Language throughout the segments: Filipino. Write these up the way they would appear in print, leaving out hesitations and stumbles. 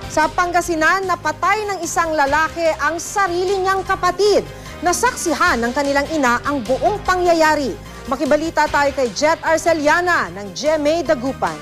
Sa Pangasinan, napatay ng isang lalaki ang sarili niyang kapatid. Nasaksihan ng kanilang ina ang buong pangyayari. Makibalita tayo kay Jet Arceliana ng GMA Dagupan.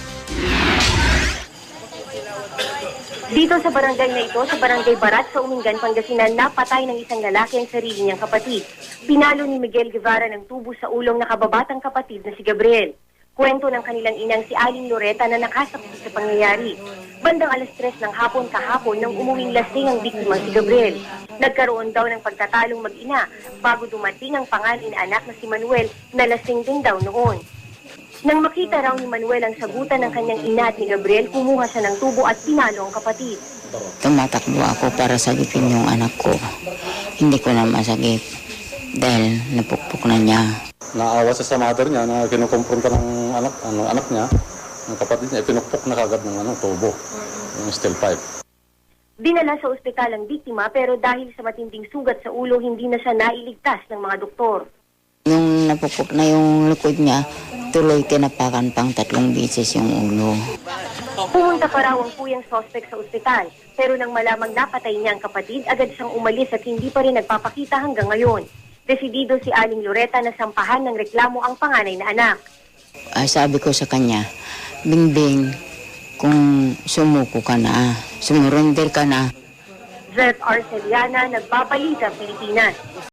Dito sa barangay na ito, sa Barangay Barat sa Umingan, Pangasinan, napatay ng isang lalaki ang sarili niyang kapatid. Pinalo ni Miguel Guevara ng tubo sa ulong na kababatang kapatid na si Gabriel. Kwento ng kanilang inang si Aling Loreta na nakasaksi sa pangyayari. Bandang 3:00 ng hapon kahapon nang umuwing lasing ang biktima si Gabriel. Nagkaroon daw ng pagtatalong mag-ina bago dumating ang panganay na anak na si Manuel na lasing din daw noon. Nang makita raw ni Manuel ang sagutan ng kanyang ina at ni Gabriel, kumuha siya ng tubo at pinalo ang kapatid. Tumatakbo ako para sagipin yung anak ko. Hindi ko na masagip dahil napukpok na niya. Naawa siya sa mother niya na kinukumpronta ng anak niya, ng kapatid niya, pinukpok na kagad ng tubo, yung steel pipe. Dinala sa ospital ang biktima pero dahil sa matinding sugat sa ulo, hindi na siya nailigtas ng mga doktor. Yung napukpok na yung likod niya, tuloy tinapakan pang 3 beses yung ulo. Pumunta pa raw ang puyang suspect sa ospital, pero nang malamang napatay niya ang kapatid, agad siyang umalis at hindi pa rin nagpapakita hanggang ngayon. Desidido si Aling Loreta na sampahan ng reklamo ang panganay na anak. Sabi ko sa kanya, Bingbing, kung sumuko ka na, sumurrender ka na. Jet Arceliana, Nagbabalita, Pilipinas.